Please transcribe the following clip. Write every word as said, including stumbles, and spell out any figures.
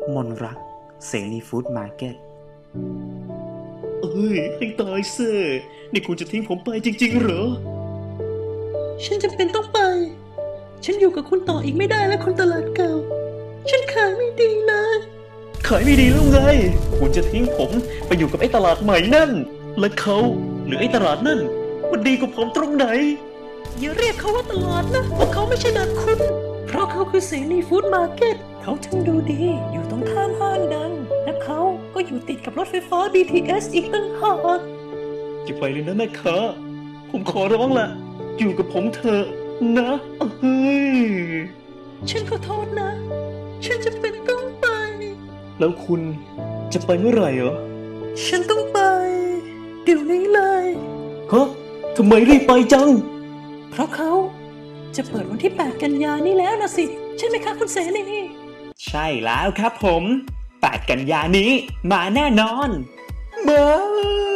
มนรักเสรีฟู้ดมาร์เก็ตเอ้ยให้ตายเซ่นี่คุณจะทิ้งผมไปจริงๆเหรอฉันจำเป็นต้องไปฉันอยู่กับคุณต่ออีกไม่ได้แล้วคนตลาดเก่าฉันขายไม่ดีเลยขายไม่ดีแล้วไงคุณจะทิ้งผมไปอยู่กับไอ้ตลาดใหม่นั่นและเขาหรือไอ้ตลาดนั่นมันดีกว่าผมตรงไหนอย่าเรียกเขาว่าตลาดนะเพราะเขาไม่ใช่แบบคุณเพราะเขาคือเสรีฟู้ดมาร์เก็ตเขาทั้งดูดีอยู่ตรงข้ามห้างดังและเขาก็อยู่ติดกับรถไฟฟ้า บี ที เอส อีกต่างหากอย่าไปเลยนะแม่ค้าผมขอร้องละอยู่กับผมเถอะนะเฮ้ยฉันขอโทษนะฉันจะเป็นต้องไปแล้วคุณจะไปเมื่อไหร่เหรอฉันต้องไปเดี๋ยวนี้เลยฮะทำไมรีบไปจังเพราะเขาจะเปิดวันที่แปดกันยานี้แล้วนะสิใช่ไหมคะคุณเสรีใช่แล้วครับผมแปดกันยานี้มาแน่นอนมา